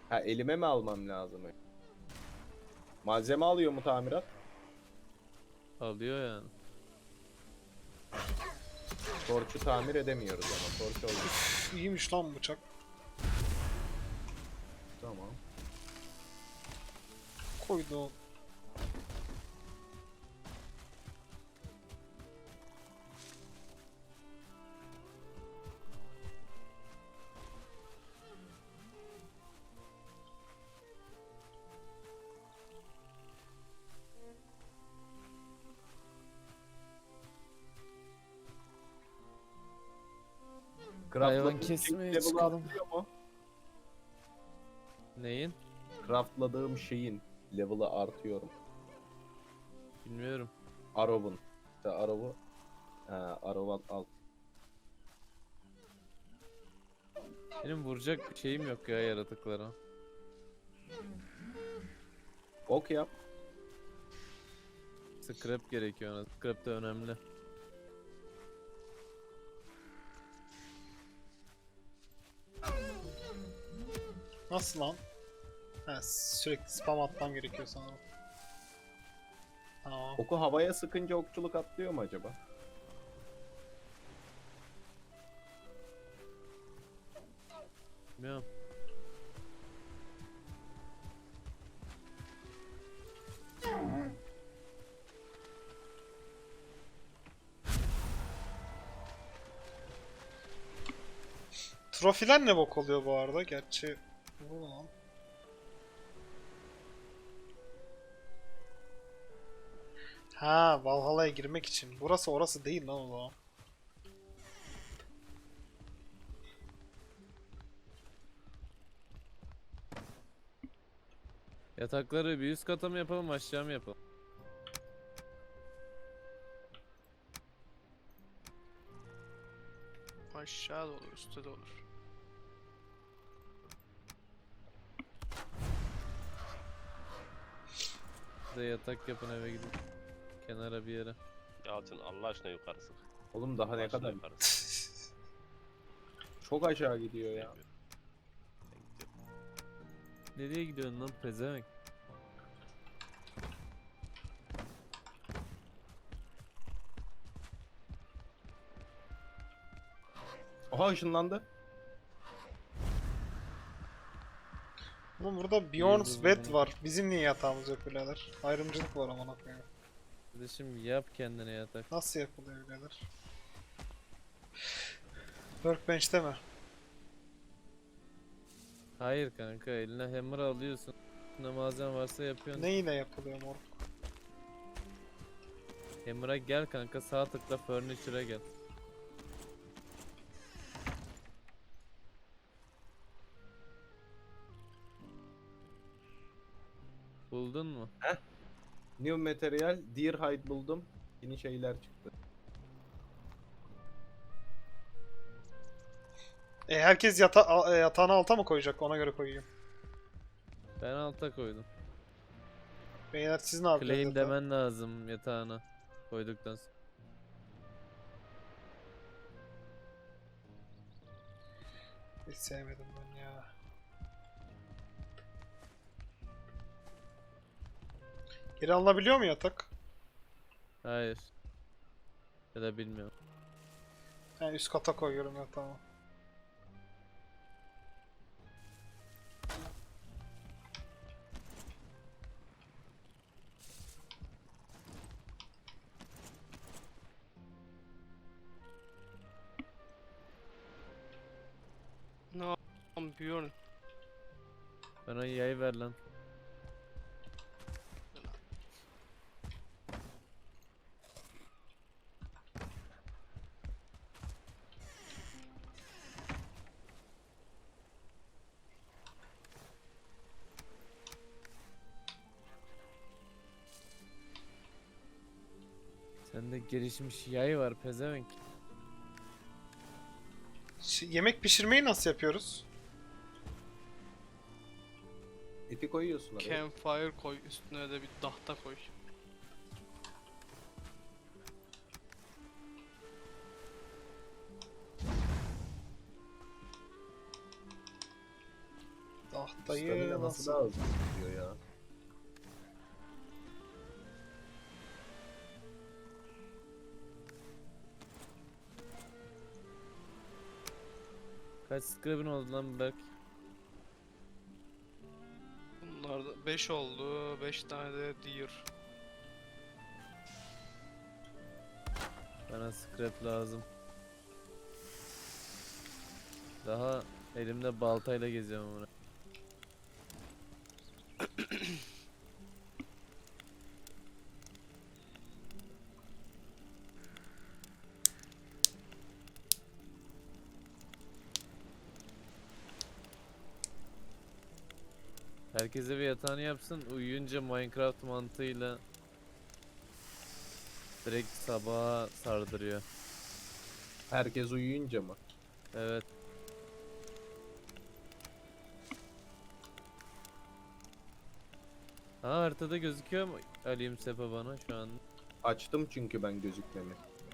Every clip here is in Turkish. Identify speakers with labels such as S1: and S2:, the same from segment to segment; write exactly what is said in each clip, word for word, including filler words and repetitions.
S1: Ha, elime mi almam lazım? Malzeme alıyor mu tamirat?
S2: Alıyor yani.
S1: Torçu tamir edemiyoruz ama torç oldu.
S3: Üf, iyiymiş lan bıçak.
S1: Tamam.
S3: Koydu.
S2: Hayvan
S1: Craftladığım
S2: kesmeye
S1: şeyin level'ı
S2: çıkalım.
S1: artıyor mu?
S2: Neyin?
S1: Craftladığım şeyin level'ı artıyor mu?
S2: Bilmiyorum.
S1: Arrow'un. İşte Arrow'u. Ha, Arrow'u al.
S2: Benim vuracak bir şeyim yok ya yaratıklara.
S1: Ok yap.
S2: Scrap gerekiyor ona. Scrap de önemli.
S3: Nasıl lan? Ha, sürekli spam atmam gerekiyor sanırım. Tamam.
S1: Oku havaya sıkınca okçuluk atlıyor mu acaba?
S2: Bilmiyorum.
S3: Trofiler ne bok oluyor bu arada? Gerçi bu lan. Ha, Valhalla'ya girmek için. Burası orası değil lan o zaman.
S2: Yatakları bir üst kata mı yapalım aşağı mı yapalım?
S4: Aşağı da olur, üstte de olur.
S2: Bir de yatak yapın eve gidin. Kenara bir yere.
S5: Yalçın Allah aşkına yukarı sık.
S1: Oğlum daha
S5: Allah
S1: ne
S5: aşkına
S1: kadar?
S5: yukarı sık.
S1: Çok aşağı gidiyor ya.
S2: Nereye gidiyorsun lan pezevenk?
S1: Aha ışınlandı.
S3: Oğlum burada Bjorn's
S2: Yıldız
S3: bed
S2: bunu.
S3: var. Bizim niye yatağımız yok birader? Ayrımcılık var amına koyayım.
S2: Kardeşim yap kendine yatak.
S3: Nasıl yapılıyor birader? Workbench'te mi?
S2: Hayır kanka eline hammer alıyorsun. Ne malzeme varsa yapıyorsun.
S3: Neyle yapılıyor moruk?
S2: Hammer'a gel kanka sağ tıkla furniture'a gel. Buldun mu?
S1: New material, deer hide buldum. Yeni şeyler çıktı.
S3: E herkes yata a- e, yatağını alta mı koyacak? Ona göre koyayım.
S2: Ben alta koydum.
S3: Beyler siz ne yapıyorsunuz?
S2: Claim
S3: yatağa?
S2: demen lazım yatağına koyduktan sonra.
S3: Hiç sevmedim ben ya. Geri alınabiliyor mu yatak?
S2: Hayır. Ya da bilmiyorum.
S3: Ben üst kata koyuyorum yatağımı.
S4: Ne yapıyorsun?
S2: Bana yay ver lan. Sende gelişmiş yay var pezevenk.
S3: Ş- yemek pişirmeyi nasıl yapıyoruz?
S1: Eti koyuyorsun oraya.
S4: Campfire koy, üstüne de bir tahta koy.
S3: Tahtayı
S1: Stamina nasıl
S3: nasıl?
S1: daha hızlı gidiyor ya?
S2: Kaç scrap'in oldu lan Berk?
S4: Bunlar da beş oldu. beş tane de deer.
S2: Bana scrap lazım. Daha elimde baltayla geziyorum bunu. Herkese bir yatağını yapsın. Uyuyunca Minecraft mantığıyla direkt sabaha sardırıyor.
S1: Herkes uyuyunca mı?
S2: Evet. Ha, haritada gözüküyor mu Alim Sepa bana şu an?
S1: Açtım çünkü ben gözükmemi.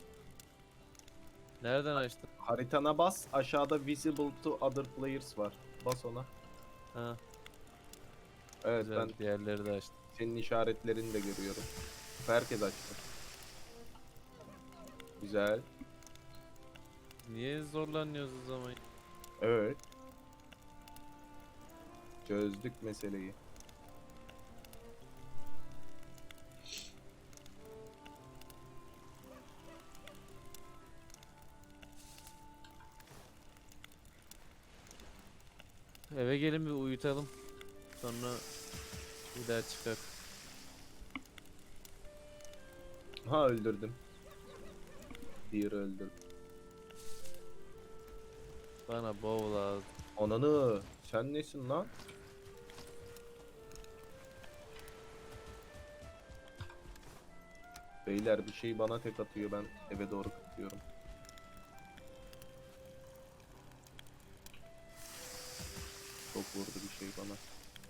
S2: Nereden açtın?
S1: Haritana bas, aşağıda visible to other players var. Bas ona.
S2: Ha,
S1: Evet,
S2: güzel.
S1: ben
S2: Diğerleri de açtım.
S1: senin işaretlerini de görüyorum. Herkes açtı. Güzel.
S2: Niye zorlanıyoruz o zaman?
S1: Evet. Çözdük meseleyi.
S2: Eve gelin bir uyutalım. Sonra bir daha çıkar.
S1: Ha, öldürdüm. Deer öldürdüm.
S2: Bana bow lazım.
S1: Ananı, sen nesin lan? Beyler bir şey bana tek atıyor, ben eve doğru kaçıyorum. Çok vurdu bir şey bana.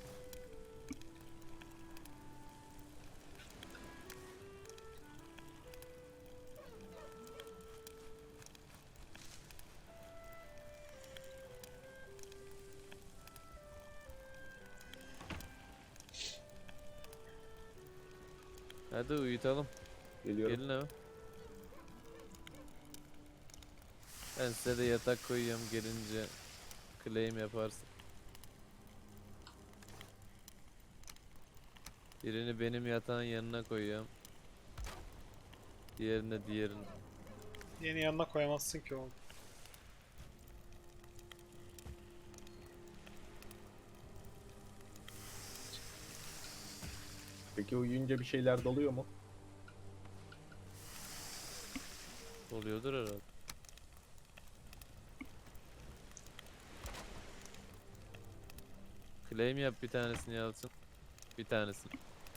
S2: Hadi uyutalım.
S1: Geliyorum.
S2: Gelin eve. Ben size de yatak koyuyorum, gelince claim yaparsın. Birini benim yatağın yanına koyuyorum. Diğerini de diğerini.
S3: Yeni yanına koyamazsın ki oğlum.
S1: Peki uyuyunca bir şeyler doluyor mu?
S2: Oluyordur herhalde. Claim yap bir tanesini Yalçın. Bir tanesini.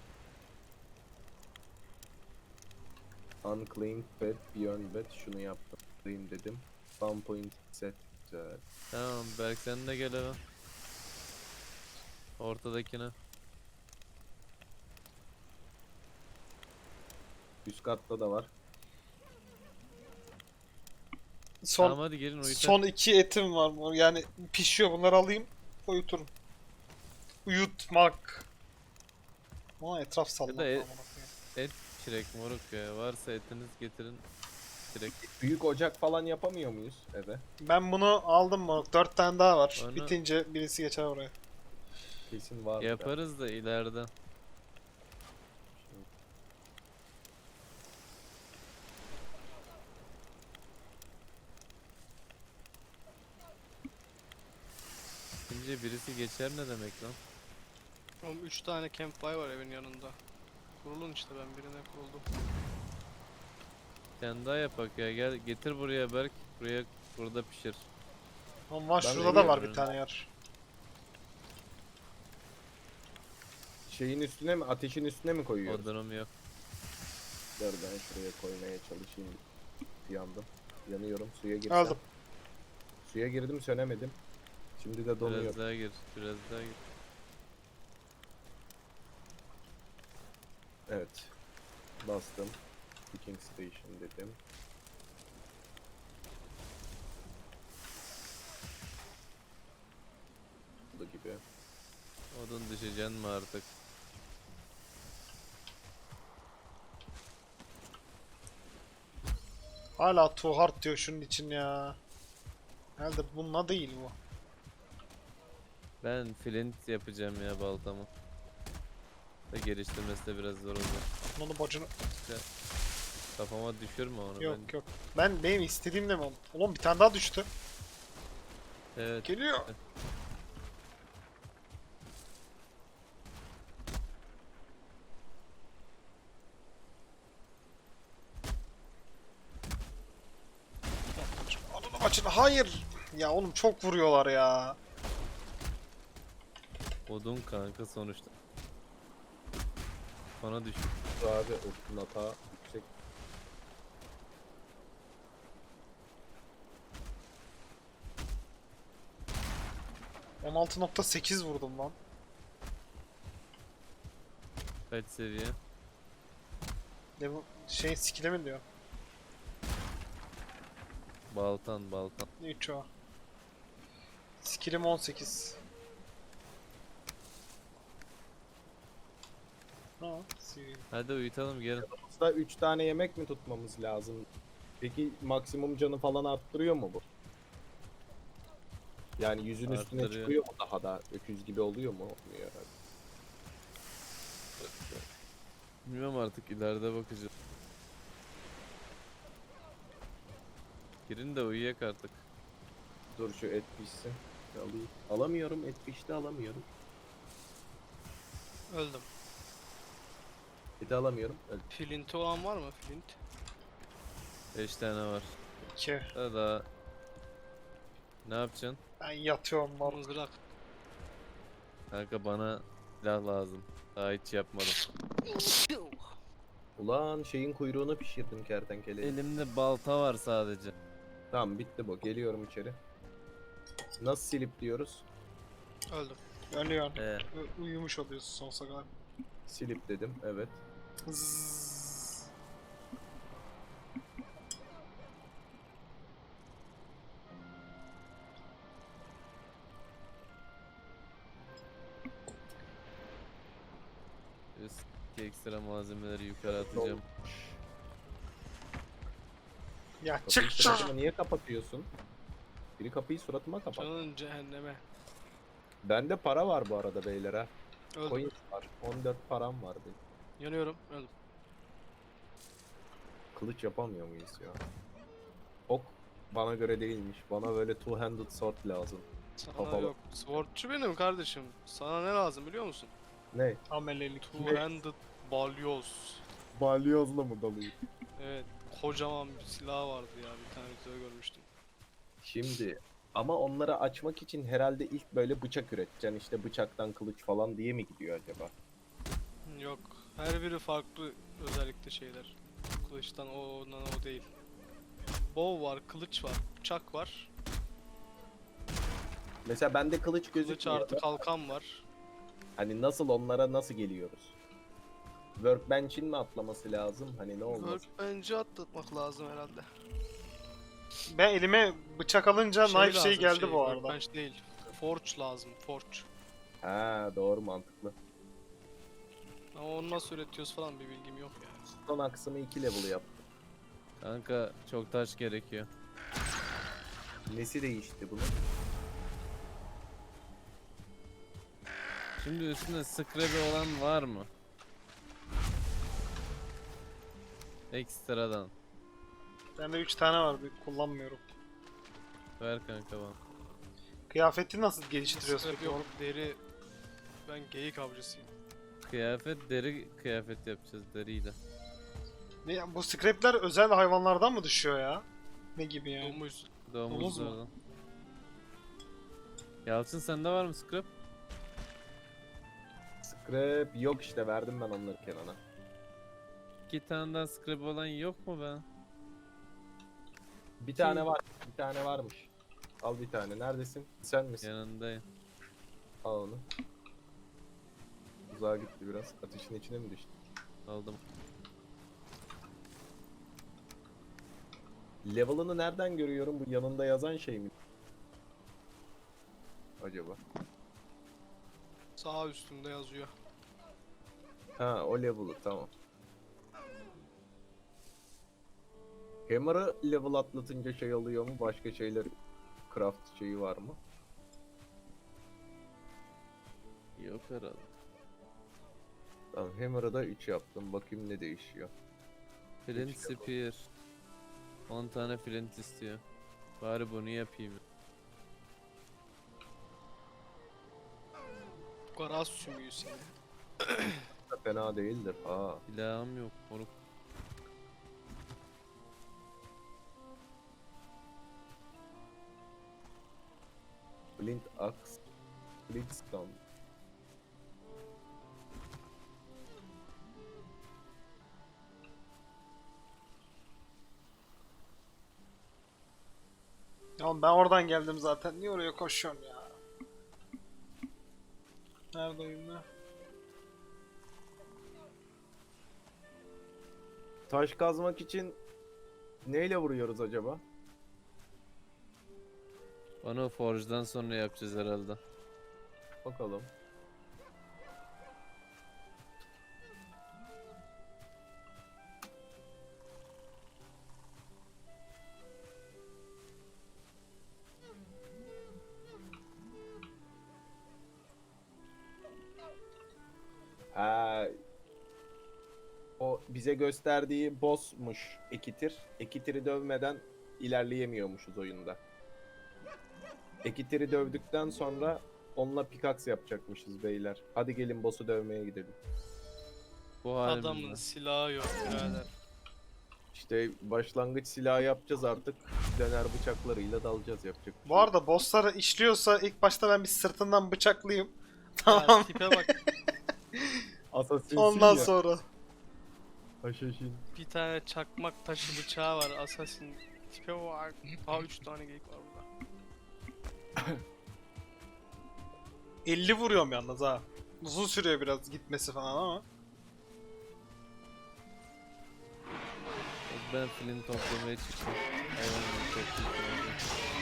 S1: Unclaimed bed, beyond bed, şunu yaptım. Claim dedim. Spawn point set. Güzel.
S2: Tamam Berk, sen de gel eve. Ortadakine.
S1: Üst katta da var.
S3: Son
S2: Tamam hadi gelin uyutalım.
S3: son iki etim var mı? Yani pişiyor, bunları alayım, uyuturum. Uyutmak. Ama etraf sallamak.
S2: Ya da e-
S3: amına koyayım.
S2: Çilek moruk ya. Varsa etiniz getirin. Çilek.
S1: Büyük ocak falan yapamıyor muyuz eve?
S3: Ben bunu aldım mı? Dört tane daha var.
S2: Onu-
S3: Bitince birisi geçer oraya.
S1: Kesin var.
S2: Yaparız da ileride. Şimdi birisi geçer ne demek lan?
S4: Oğlum üç tane campfire var evin yanında. Kurulun işte, ben birine kuruldum.
S2: Sen daha yapak ya, gel getir buraya Berk. Buraya, burada pişir.
S3: Ama var,
S1: Ben
S3: şurada da var
S2: uyuyorum.
S3: bir tane yer.
S1: Şeyin üstüne mi, ateşin üstüne mi koyuyoruz?
S2: Odunum yok.
S1: Dur ben şuraya koymaya çalışayım. Yandım. Yanıyorum. Suya girsem.
S3: Aldım.
S1: Suya girdim, sönemedim. Şimdi de donuyor.
S2: Biraz daha gir. Biraz daha gir.
S1: Evet. Bastım. Cooking Station dedim. Bu gibi.
S2: Odun düşeceksin mi artık?
S3: Hala too hard diyor şunun için ya. Herhalde bununla değil bu.
S2: Ben flint yapacağım ya baltamı. Ve geliştirmesi de biraz zor olacak.
S3: Bunu bacını...
S2: Kafama düşürme onu.
S3: Yok
S2: ben...
S3: yok. Ben benim istediğim de mi oldu? Oğlum bir tane daha düştü.
S2: Evet.
S3: Geliyor. Ananı bacını hayır. Ya oğlum çok vuruyorlar ya.
S2: Odun kanka sonuçta. Bana düş.
S1: Abi okun hata yüksek.
S3: on altı nokta sekiz vurdum lan.
S2: Kaç seviye?
S3: Ne bu şey skill'e mi diyor?
S2: Baltan baltan.
S3: üç o. Skill'im on sekiz. Ha, skill.
S2: Hadi uyutalım gelin.
S1: Aslında üç tane yemek mi tutmamız lazım? Peki maksimum canı falan arttırıyor mu bu? Yani yüzün üstüne
S2: Arttırıyor.
S1: çıkıyor mu daha da? Öküz gibi oluyor mu? Olmuyor herhalde.
S2: Bilmiyorum artık ileride bakacağız. Girin de uyuyak artık.
S1: Dur şu et pişsin. Alayım. Alamıyorum, et pişti alamıyorum.
S4: Öldüm.
S1: Eti alamıyorum. Öldüm.
S4: Flint'i olan var mı? Flint.
S2: beş tane var.
S3: iki.
S2: Daha daha. Ne yapacaksın?
S3: Ben yatıyorum lan.
S4: Mızrak.
S2: Kanka bana silah lazım. Daha hiç yapmadım.
S1: Ulan şeyin kuyruğunu pişirdim kertenkeleyi.
S2: Elimde balta var sadece.
S1: Tamam bitti bu. Geliyorum içeri. Nasıl silip diyoruz?
S4: Öldüm.
S3: Ölüyorsun.
S2: Ee,
S3: U- Uyumuş oluyorsun sonsuza kadar.
S1: Silip dedim. Evet.
S3: Zzzz.
S2: Üst ekstra malzemeleri yukarı atacağım.
S3: Ya
S1: Kapıyı
S3: çık çık.
S1: suratıma niye kapatıyorsun? Biri kapıyı suratıma kapat.
S4: Canın cehenneme.
S1: Bende para var bu arada beyler ha.
S4: Öldüm.
S1: Coin var. on dört param var benim.
S4: Yanıyorum. Öldüm.
S1: Kılıç yapamıyor muyuz ya? Ok bana göre değilmiş. Bana böyle two-handed sword lazım.
S4: Sana
S1: Kafalı.
S4: yok. Swordçu benim kardeşim. Sana ne lazım biliyor musun?
S1: Ne?
S3: Amelelik.
S4: Two-handed balyoz.
S1: Balyozla mı dalıyor?
S4: Evet. Kocaman bir silah vardı ya. Bir tane videoda görmüştüm.
S1: Şimdi ama onları açmak için herhalde ilk böyle bıçak üreteceksin. İşte bıçaktan kılıç falan diye mi gidiyor acaba?
S4: Yok. Her biri farklı özellikle şeyler. Kılıçtan o, ondan o değil. Bow var, kılıç var, bıçak var.
S1: Mesela bende kılıç
S4: Kılıç
S1: gözükmüyor.
S4: artı kalkan var.
S1: Hani nasıl onlara nasıl geliyoruz? Workbench'in mi atlaması lazım? Hani ne olmaz?
S4: Workbench'i atlatmak lazım herhalde.
S3: Ben elime bıçak alınca knife şey
S4: lazım,
S3: geldi bu arada.
S4: Workbench değil. Forge lazım, forge.
S1: Ha doğru mantıklı.
S4: Ama onu nasıl üretiyoruz falan bir bilgim yok yani.
S1: Son aksımı iki level yaptım.
S2: Kanka çok taş gerekiyor.
S1: Nesi değişti bunun?
S2: Şimdi üstünde scrap'i olan var mı? Ekstradan.
S3: Bende üç tane var, bir kullanmıyorum.
S2: Ver kanka bana.
S3: Kıyafeti nasıl geliştiriyorsun
S4: Scrap
S3: peki?
S4: yok, deri. Ben geyik avcısıyım.
S2: Kıyafet deri kıyafet yapacağız deriyle.
S3: Ne, ya, bu scrapler özel hayvanlardan mı düşüyor ya? Ne gibi yani?
S4: Domuz.
S3: Domuz mu?
S2: Domuzlardan. Yalçın sende var mı scrap?
S1: Scrap yok işte verdim ben onları Kenan'a.
S2: İki tane daha scrap olan yok mu be?
S1: Bir tane var. Bir tane varmış. Al bir tane. Neredesin? Sen misin?
S2: Yanındayım.
S1: Al onu. Uzağa gitti biraz. Ateşin içine mi düştü?
S2: Aldım.
S1: Level'ını nereden görüyorum? Bu yanında yazan şey mi? Acaba?
S4: Sağ üstünde yazıyor.
S1: Ha o level'ı tamam. Hammer'ı level atlatınca şey oluyor mu? Başka şeyler craft şeyi var mı?
S2: Yok herhalde.
S1: Tamam Hammer'ı da üç yaptım. Bakayım ne değişiyor.
S2: Flint
S1: Hiç yok.
S2: Spear. on tane flint istiyor. Bari bunu yapayım.
S4: Garaz sümüğü seni.
S1: Da fena değildir. Ha.
S2: Silahım yok. Onu
S1: Flint Axe. Flint Stone.
S3: Ya oğlum ben oradan geldim zaten. Niye oraya koşuyorsun ya? Nerede oyunlar?
S1: Taş kazmak için neyle vuruyoruz acaba?
S2: onu Forge'dan sonra yapacağız herhalde.
S1: Bakalım. Ee, o bize gösterdiği boss'muş Ekitir. Ekitir'i dövmeden ilerleyemiyormuşuz oyunda. Ekitir'i dövdükten sonra onunla pickaxe yapacakmışız beyler. Hadi gelin boss'u dövmeye gidelim.
S2: Bu
S4: Adamın
S2: halimle.
S4: silahı yok birader.
S1: İşte başlangıç silahı yapacağız artık. Döner bıçaklarıyla dalacağız yapacak bir
S3: Bu
S1: şey yok.
S3: arada bossları işliyorsa ilk başta ben bir sırtından bıçaklayayım.
S4: Ya
S3: Tamam.
S4: tipe bak.
S1: Assassin'sin
S3: Ondan
S1: ya.
S3: sonra.
S1: Assassin.
S4: Bir tane çakmak taşı bıçağı var Assassin. Tipe bak. Aa üç tane geyik var burada.
S3: elli vuruyorum yalnız ha. Uzun sürüyor biraz gitmesi falan ama.
S2: Ben flint toplamaya çıktım. Hayvanları toplayacağım.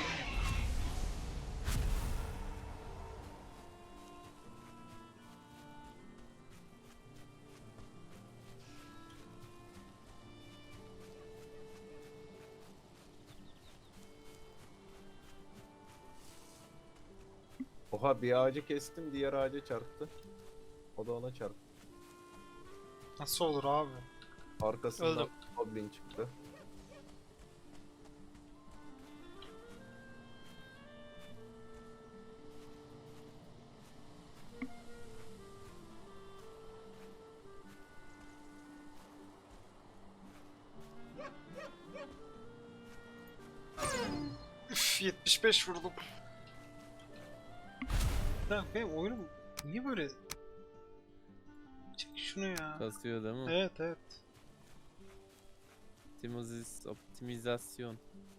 S1: Oha bir ağacı kestim diğer ağaca çarptı. O da ona çarptı.
S3: Nasıl olur abi?
S1: Arkasından
S4: Öldüm.
S1: goblin çıktı.
S3: Üf, yetmiş beş vurdum. Ya benim oyunum niye böyle? Çek şunu ya.
S2: Kasıyor değil mi?
S3: Evet evet.
S2: Optimiz- optimizasyon.